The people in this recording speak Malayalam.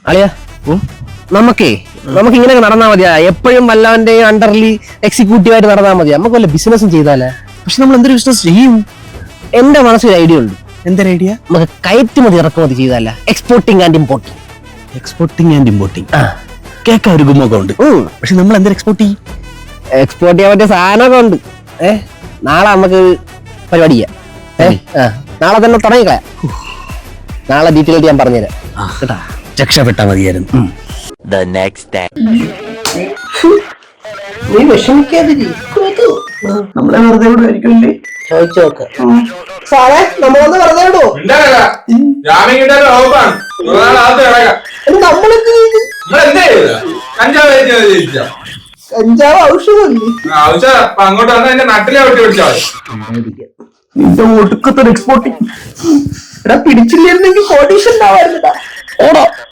അളിയാ നമുക്ക് ഇങ്ങനെ നടന്നാൽ മതിയാ. എപ്പോഴും വല്ലവന്റെയും അണ്ടർലി എക്സിക്യൂട്ടീവായിട്ട് നടന്നാൽ മതിയാ. നമുക്ക് വല്ല ബിസിനസ്സും ചെയ്താലേ. പക്ഷെ നമ്മൾ എന്തൊരു ബിസിനസ് ചെയ്യും? എന്റെ മനസ്സിൽ ഐഡിയ ഉണ്ട്. എന്തൊരു ഐഡിയ? നമുക്ക് കയറ്റുമതി ഇറക്കുമതി ചെയ്താലേ. Exporting and importing. Exporting and importing കേൾക്കാൻ ഒരു ഗുമൊക്കെ ഉണ്ട്. പക്ഷെ നമ്മൾ എന്തൊരു എക്സ്പോർട്ട് ചെയ്യും? എക്സ്പോർട്ട് ചെയ്യാൻ പറ്റിയ സാധനമൊക്കെ ഉണ്ട്. നാളെ നമുക്ക് പരിപാടി ചെയ്യാം. നാളെ തന്നെ തുടങ്ങിക്കളയാ. നാളെ ഡീറ്റെയിൽ ആയിട്ട് ഞാൻ പറഞ്ഞുതരാം കേട്ടാ. രക്ഷപ്പെട്ടാ മതിയായിരുന്നു. നീ വിഷമിക്കാതിരി. നമ്മളെ വെറുതെ ഇവിടെ ആയിരിക്കുമല്ലേ? ചോദിച്ചു നോക്ക് സാറേ. നമ്മളൊന്ന് വെറുതെ വിടോ? കഞ്ചാവ് ഔഷധമല്ലേ? അങ്ങോട്ട് വന്നാൽ എന്റെ നട്ടിലെ വെട്ടി പിടിച്ചാൽ നിന്റെ ഒടുക്കത്തൊരു എക്സ്പോർട്ടിങ്. എടാ പിടിച്ചില്ലായിരുന്നെങ്കിൽ കോട്ടീഷൻ ഉണ്ടാവാറുണ്ടാ. ഓടോ.